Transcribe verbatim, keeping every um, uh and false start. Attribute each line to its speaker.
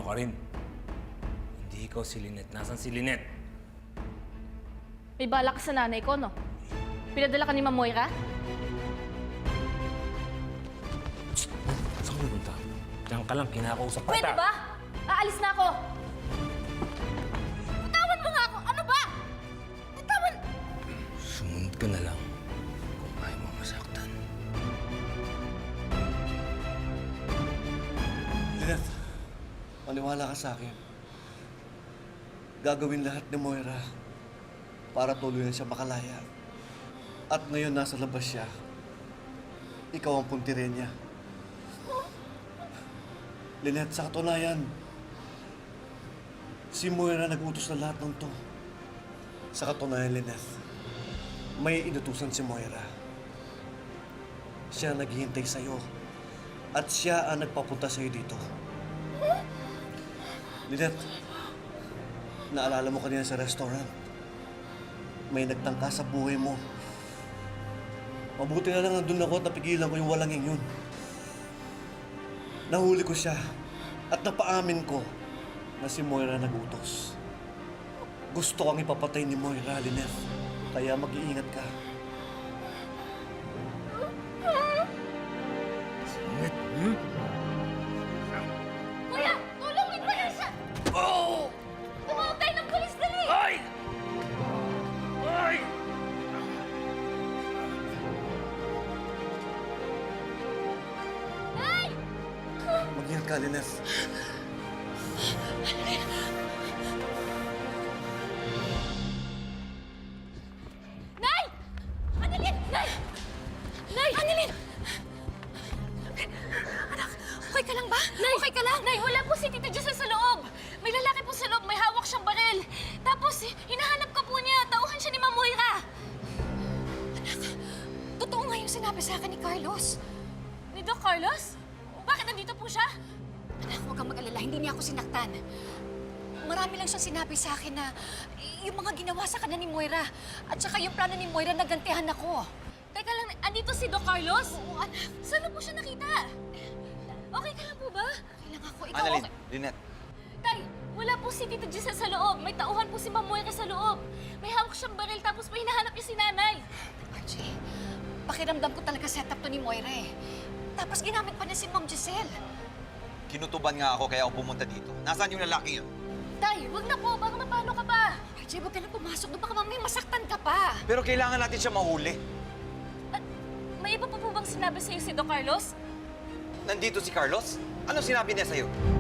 Speaker 1: ka rin. Hindi ikaw si Lynette. Nasaan si Lynette?
Speaker 2: May balak ka sa nanay ko, no? Pinadala ka ni Ma'am Moira?
Speaker 1: Saan ka pupunta? Diyan ka lang, kinakausap ka.
Speaker 2: Pwede ba? Aalis na ako! Bitawan mo nga ako! Ano ba? Bitawan!
Speaker 1: Sumunod ka na lang kung ayaw mo masaktan.
Speaker 3: Lynette, maniwala ka sa akin. Gagawin lahat ni Moira para tuluyan siya makalaya. At ngayon nasa labas siya. Ikaw ang puntirin niya. Lynette, sa katunayan, si Moira nag-utos na lahat ng to. Sa katunayan, Lynette, may inutusan si Moira. Siya naghihintay sa'yo. At siya ang nagpapunta sa'yo dito. Lynette, naalala mo kanina sa restaurant. May nagtangka sa buhay mo. Mabuti na lang nandun ako at napigilan ko yung walangin yun. Nahuli ko siya at napaamin ko na si Moira nagutos. Gusto kang ipapatay ni Moira, Lynette. Kaya mag-iingat ka.
Speaker 1: Lynette, hmm?
Speaker 2: Kuya! Tulungin mo yan siya!
Speaker 1: Oh!
Speaker 2: Tumawag tayo ng polis, dali!
Speaker 1: Ay! Ay!
Speaker 2: Nay!
Speaker 3: Mag-ingat ka, Lynette.
Speaker 2: Nay! Annalyn! Nay! Nay! Annalyn! Anak, okay ka lang ba? Nay! Okay ka lang? Nay, wala po si Tita Giselle sa loob. May lalaki po sa loob, may hawak siyang baril. Tapos, hinahanap ka po niya. Tauhan siya ni Ma'am Moira. Anak, totoo nga yung sinabi sa akin ni Carlos. Ni Doc Carlos? Bakit nandito po siya?
Speaker 4: Anak, huwag kang mag-alala. Hindi niya ako sinaktan. Marami lang siyang sinabi sa akin na yung mga ginawa sa kanya ni Moira at saka yung plano ni Moira na gantihan ako.
Speaker 2: Teka lang, andito si Doc Carlos?
Speaker 4: Oo, anak.
Speaker 2: Saan na po siya nakita? Okay ka lang po ba?
Speaker 4: Kailangan ako. Ikaw,
Speaker 5: Annalyn,
Speaker 4: okay?
Speaker 5: Lynette,
Speaker 2: Tay, wala po si Tita Giselle sa loob. May tauhan po si Ma'am Moira sa loob. May hawak siyang baril tapos may hinahanap niya si nanay.
Speaker 4: Archie, pakiramdam ko talaga setup to ni Moira eh. Tapos ginamit pa niya si Ma'am Giselle.
Speaker 5: kinutuban nga ako kaya ako pumunta dito. Nasaan yung lalaki yun?
Speaker 2: Tay, wag na po. Baka mapano ka pa.
Speaker 4: Archie, huwag ka na pumasok doon. Baka mamaya masaktan ka pa.
Speaker 5: Pero kailangan natin siya mahuli.
Speaker 2: At may iba pa po bang sinabi sa'yo si Doc Carlos?
Speaker 5: Nandito si Carlos? Ano sinabi niya sa'yo?